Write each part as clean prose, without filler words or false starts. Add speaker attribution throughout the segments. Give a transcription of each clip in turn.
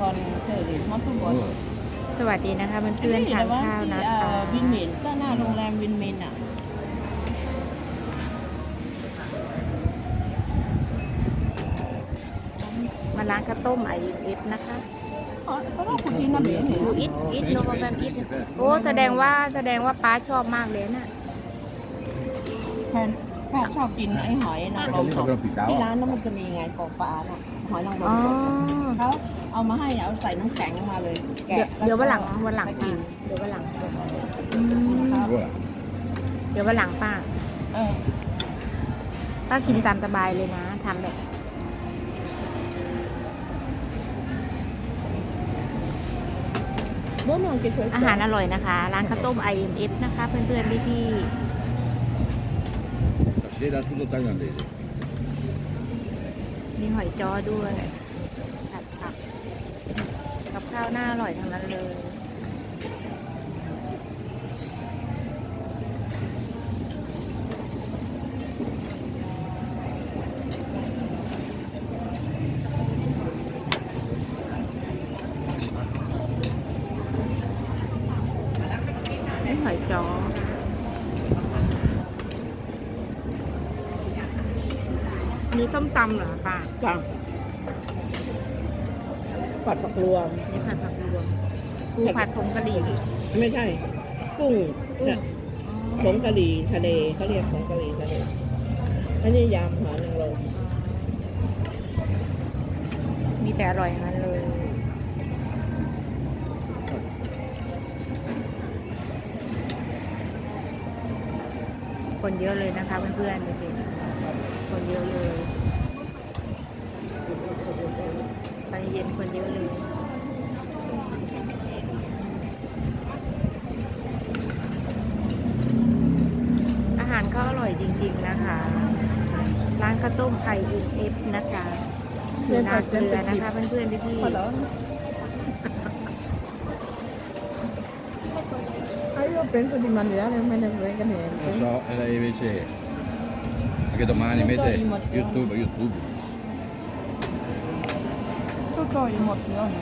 Speaker 1: còn thời điểm món không có
Speaker 2: สวัสดีนะคะเพื่อนๆทานข้าวนะคะ
Speaker 1: วินเมนก็หน้าโรงแรมวินเมนอ่ะ
Speaker 2: มาร้านข้าวต้มIMF นะคะ
Speaker 1: ก็ต้องคุณดีนะเบ๋เนี่ย
Speaker 2: อูอิทโนมาแบบอิทโอ้แสดงว่าป้าชอบมากเลยน่ะ
Speaker 1: แพทชอบกินไอ้หอยนางรมสดที่ร้านนั้นมันจะมีไงกองปลาน่ะหอยนางรม
Speaker 2: อ๋อ
Speaker 1: สดเขาเอามาให้เอาใส่น้ำแข็งมาเลยแกะ
Speaker 2: เดี๋ยววันหลัง
Speaker 1: ไปกิน
Speaker 2: เดี๋ยววันหลังอืม
Speaker 3: Voilà.
Speaker 2: เดี๋ยววันหลังป้า
Speaker 1: เออ
Speaker 2: ป้ากินตามสบายเลยนะทำแบบ
Speaker 1: bố mong cái
Speaker 2: อาหารอร่อยนะคะ ร้านข้าวต้ม IMF นะคะ เพื่อนๆพี่
Speaker 3: Stasera tutto thailandese.
Speaker 2: ๆมีหอยจ้อด้วยผัดผักกับข้าวหน้าอร่อยทั้งนั้นเลย นี่หอยจ้อนี่ต้มตำเหรอป้า
Speaker 1: จังผัดผักรวม
Speaker 2: นี่ผัดผักรวมปูผัดผงกะหรี่
Speaker 1: ไม่ใช่ กุ้งเนี่ยผงกะหรี่ทะเลเขาเรียกผงกะหรี่ทะเลอันนี้ยำหอยนางรม
Speaker 2: มีแต่อร่อยทั้งนั้นเลย คนเยอะเลยนะคะเพื่อนๆดูสิคนเยอะเลยตอนเย็นคนเยอะเลย อาหารก็อร่อยจริงๆนะคะ ร้านข้าวต้มIMF นะคะอยู่นาเกลือนะคะเพื่อนๆพี่
Speaker 1: Io penso di mangiare, non me ne frega
Speaker 3: Lo
Speaker 1: niente.
Speaker 3: so, e lei invece anche domani
Speaker 1: Non
Speaker 3: mette
Speaker 1: do emozioni.
Speaker 3: YouTube.
Speaker 1: Tutto emozione.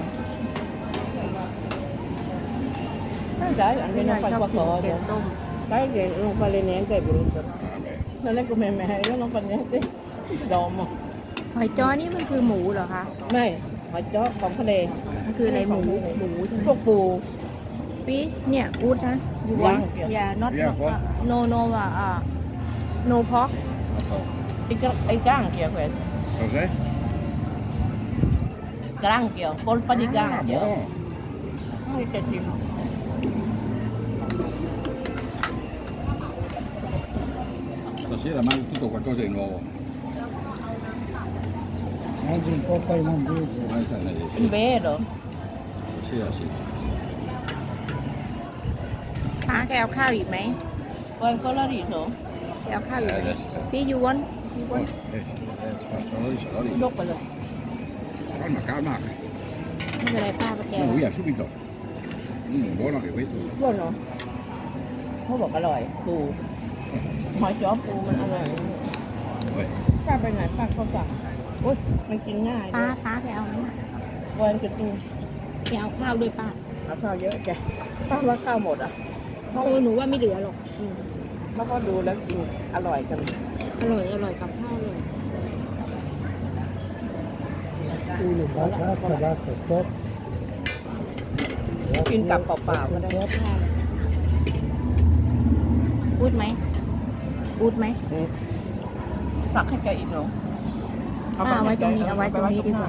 Speaker 1: Dai,
Speaker 2: ๆ
Speaker 1: almeno fai
Speaker 2: ชอบกินแก
Speaker 1: qualcosa.
Speaker 2: งต้ม
Speaker 1: Sai che non fa niente è brutto.
Speaker 3: Vabbè.
Speaker 1: Non è come me, io non fa niente. Domo.
Speaker 2: หอยจ้อนี่มันคือหมูเหรอคะ
Speaker 1: Mai, hoi chó, phóng cái đề.
Speaker 2: มันคืออะไรหมูใช่ไหม
Speaker 1: Phúc bù.
Speaker 2: พี่เนี่ยอูดนะอยู่
Speaker 1: ย่าง
Speaker 2: อย่า not
Speaker 3: Yeah, what?
Speaker 2: no no no pork
Speaker 3: Lo so.
Speaker 1: I granchio questo.
Speaker 3: Cos'è?
Speaker 1: Granchio, polpa di
Speaker 3: Ah,
Speaker 1: granchio.
Speaker 3: buono.
Speaker 1: Che tipo?
Speaker 3: Stasera mangio tutto qualcosa di nuovo.
Speaker 4: Mangi un po' thailandese.
Speaker 3: Domani thailandese,
Speaker 1: È
Speaker 3: sì.
Speaker 1: vero.
Speaker 3: Stasera sì.
Speaker 2: ป้าแกเอาข้าวอีกไหม
Speaker 1: Vuoi ancora riso?
Speaker 2: แกเอาข้าวอีกไหม
Speaker 3: adesso.
Speaker 2: พี่ยูวัน
Speaker 3: Sono lì, sono lì.
Speaker 1: Doppio.
Speaker 3: Calma, calma.
Speaker 2: ไม่เป็นไรป้าไปแก
Speaker 3: Andiamo via subito. Buono anche questo.
Speaker 1: Buono. เขาบอกอร่อยปูหอยจ้อปูมันอร่อย
Speaker 3: Vabbè.
Speaker 1: ป้าไปไหนป้าเขาสั่งโอ๊ยมันกินง่าย
Speaker 2: ป้า
Speaker 1: ด้วย
Speaker 2: ป้าแกเอาไหม
Speaker 1: วันจะตู
Speaker 2: แกเอาข้าวด้วยป้า
Speaker 1: เอาข้าวเยอะแกป้าว่าข้าวหมดอ่ะ
Speaker 2: หนูว่าไม่เหลือหรอก
Speaker 1: แล้วก็ดูแล้วกินอร่อยกัน
Speaker 2: อร่อยกับข้าวเลย
Speaker 4: Uno, basta, basta, stop.
Speaker 1: กินกับเปล่าๆก็ได้
Speaker 2: พูดไหมพูดไหม
Speaker 1: ตักให้แกอีกเนาะ
Speaker 2: เอาไว้ตรงนี้เอาไว้ตรงนี้ดีกว่า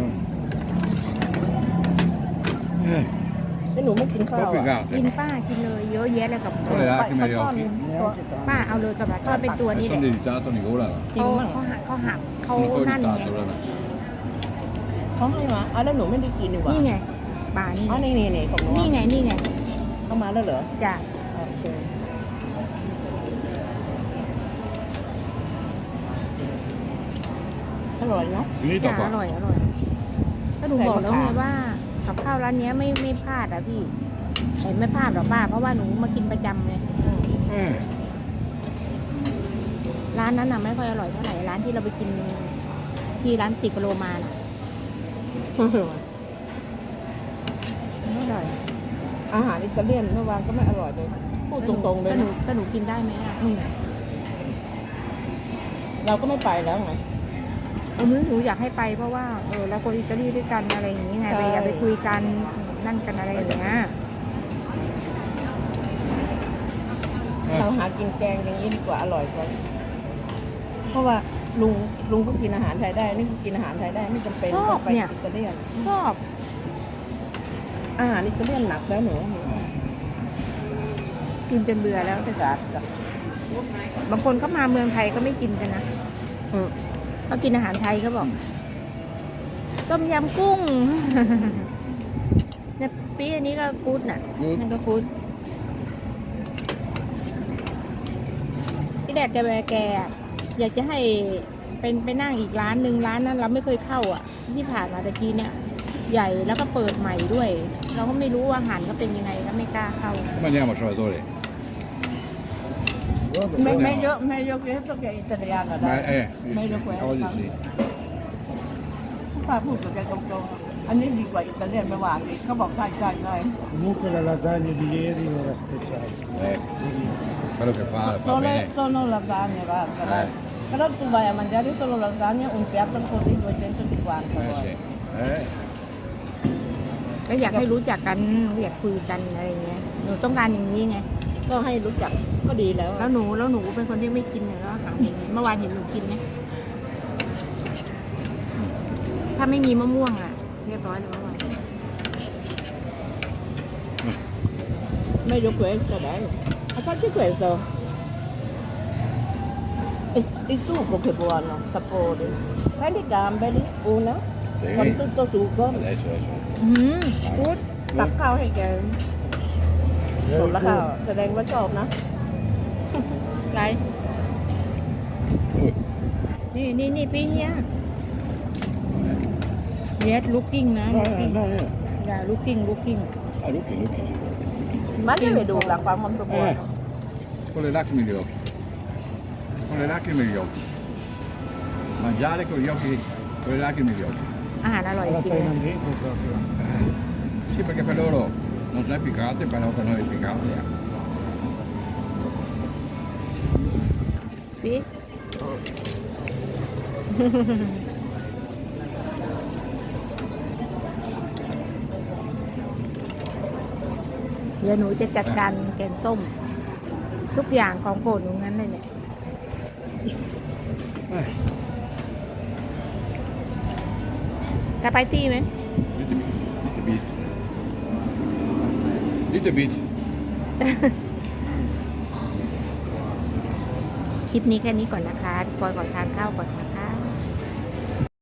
Speaker 1: ไอ้หนูไม่กินข้าว
Speaker 3: Troppi
Speaker 1: อ่ะ
Speaker 3: gatte.
Speaker 2: กินป้ากินเลยเยอะแยะเลยกับ
Speaker 3: Con le lacrime agli
Speaker 1: ซ่อน
Speaker 3: occhi.
Speaker 1: ตัว
Speaker 2: ป้าเอาเลยกับป้าเป็นตัวนี้
Speaker 3: E
Speaker 2: แหละ
Speaker 3: sono irritato, mi volano.
Speaker 2: เขาหักเขา
Speaker 3: Sono un po'
Speaker 2: นั่นไง
Speaker 3: irritato, veramente.
Speaker 1: เขาให้มาแล้วหนูไม่ได้กินดีกว่า
Speaker 2: นี่ไงป่านี่
Speaker 1: อ๋อนี่ของหนู
Speaker 2: นี่ไงนี่ไง
Speaker 1: เข้ามาแล้วเหรอ
Speaker 2: จ้ะ
Speaker 1: โอเคอร่อยเนาะ
Speaker 3: Finito
Speaker 2: จ้ะ
Speaker 3: qua.
Speaker 2: อร่อยก็หนูบอกแล้วไงว่ากับข้าวร้านเนี้ยไม่พลาดอ่ะพี่เห็นไม่พลาดหรอกป้าเพราะว่าหนูมากินประจำไง ร้านนั้นน่ะไม่ค่อยอร่อยเท่าไหร่ร้านที่เราไปกินที่ร้านติกโรมาน่ะ
Speaker 1: อาหารอิตาเลียนเมื่อวานก็ไม่อร่อยเลยพูดตรงๆเลย
Speaker 2: ก็หนูกินได้ไหมอ่ะ
Speaker 1: เราก็ไม่ไปแล้วไง
Speaker 2: หนูอยากให้ไปเพราะว่าเราคนอิตาลีด้วยกันอะไรอย่างนี้ไง
Speaker 1: ใช่
Speaker 2: ไปอยากไปคุยกันนั่นกันอะไรอย่างเงี้ย
Speaker 1: เราหากินแกงอย่างนี้ดีกว่าอร่อยกว่าเพราะว่าลุงก็กินอาหารไทยได้นี่ก็กินอาหารไทยได้ไม่จำเป็นต้องไปอิตาเลียน
Speaker 2: ชอบ
Speaker 1: อาหารอิตาเลียนหนักแล้วหนู
Speaker 2: กินจนเบื่อแล้ว
Speaker 1: ภาษา
Speaker 2: บางคนก็มาเมืองไทยก็ไม่กินกันนะเขากินอาหารไทยเขาบอกต้มยำกุ้ง เนี่ยปีอันนี้ก็กู๊ดน่ะนั่นก็กู๊ดที่แดดแกอยากจะให้เป็นไปนั่งอีกร้านหนึ่งร้านนั้นเราไม่เคยเข้าอ่ะ ที่ผ่านมาตะกี้เนี่ย ใหญ่แล้วก็เปิดใหม่ด้วย เราก็ไม่รู้ว่าอาหารก็เป็นยังไงก็ไม่กล้าเข้า
Speaker 3: Mangiamo salvatore.
Speaker 1: ไม่เยอะเยอะตัวแกอิตาเลียนอะได้ ไม่เยอะแยะ
Speaker 3: oggi sì.
Speaker 1: ป้าพูดกับแกตรงๆอันนี้ดีกว่าอิตาเลียนไม่หวานอีกเขาบอกใช่
Speaker 4: Comunque la lasagna di ieri era speciale.
Speaker 3: Quello che fa bene.
Speaker 1: sono lasagne basta dai. Però tu vai a mangiare solo lasagna un piatto così 250
Speaker 3: Sì.
Speaker 2: ก็อยากให้รู้จักกันอยากคุยกันอะไรเงี้ยหนูต้องการอย่างนี้ไง
Speaker 1: ก็ให้รู้จักก็ดีแล้ว
Speaker 2: แล้วหนูเป็นคนที่ไม่กินแล้วอาหารอย่างนี้เมื่อวานเห็นหนูกินไหมถ้าไม่มีมะม่วงอ่ะ เรียบร้อยเลยเมื่อวาน
Speaker 1: meglio questo dai facci questo il succo che buono sapore prendi i gamberi una
Speaker 3: Sì.
Speaker 1: con tutto succo
Speaker 3: Adesso.
Speaker 2: กู๊ด
Speaker 1: ตักข้าวให้แกหมดแล้วค่ะแสดงว่าชอบนะ
Speaker 2: ไรนี่พี่เฮีย yes looking นะ looking อย่า looking
Speaker 3: Ah, Lucchi.
Speaker 1: มันไม่ไปดูหลังความมันสมบูรณ์
Speaker 3: Con le lacrime negli occhi. Con le lacrime negli occhi. Mangiare con gli occhi, con le lacrime negli occhi.
Speaker 2: อาหารอร่อยจ
Speaker 4: Alla
Speaker 2: ริงนะ
Speaker 4: thailandese proprio.
Speaker 3: Sì, perché per loro non sono piccante, però per noi è piccante.
Speaker 2: พี่ เดี๋ยวหนูจะจัดการแกงต้ม ทุกอย่างของโปรดหนูงั้นเลยเนี่ยกาไปตี้ไหม
Speaker 3: Little bit.
Speaker 2: คลิปนี้แค่นี้ก่อนนะคะปอยก่อนทานข้าวก่อนค่ะ